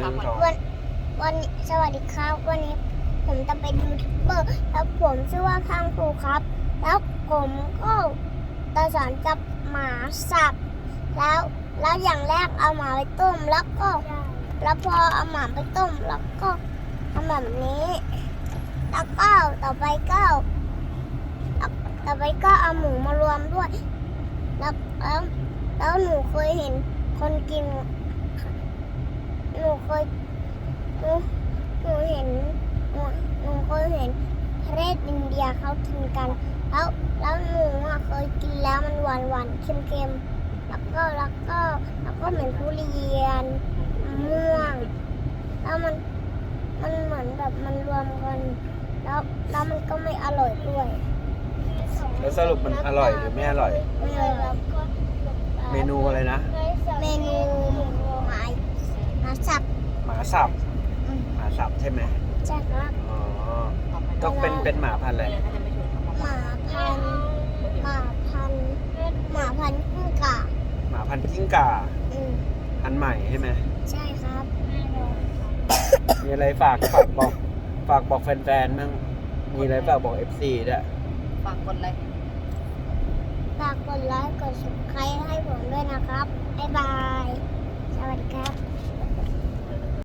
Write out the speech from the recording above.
ครับสองวันนี้สวัสดีครับวันนี้ผมจะเป็นยูทูบเบอร์แล้วผมชื่อว่าข้างครูครับ แล้วผมก็จะสอนจับหมาสับแล้วอย่างแรกเอาหมาไปต้มแล้วพอเอาหมาไปต้มแล้วก็ทำแบบนี้แล้วก็ต่อไปก็เอาหมูมารวมด้วยแล้วหนูเคยเห็นคนกินหนูเคยเห็นประเทศอินเดียเขากินกันแล้วหนูเคยกินแล้วมันหวานเค็มแล้วก็เหมือนทุเรียนม่วงแล้วมันเหมือนแบบมันรวมกันแล้วมันก็ไม่อร่อยด้วยแล้วสรุปมันอร่อยหรือไม่อร่อยไม่อร่อยเมนูอะไรนะเมนูหมาสับหมาสับหมาสับใช่ไหมใช่ครับอ๋อต้องเป็นหมาพันธุ์อะไรหมาพันธุ์กิ้งก่าหมาพันธุ์กิ้งก่า พันธุ์ใหม่ใช่ไหมใช่ครับมีอะไรฝากบอกแฟนๆมั่งมีอะไรฝากบอก FC ด้วยฝากกดไลค์ฝากกดไลค์กด subscribe ให้ผมด้วยนะครับบ๊ายบาย สวัสดีครับ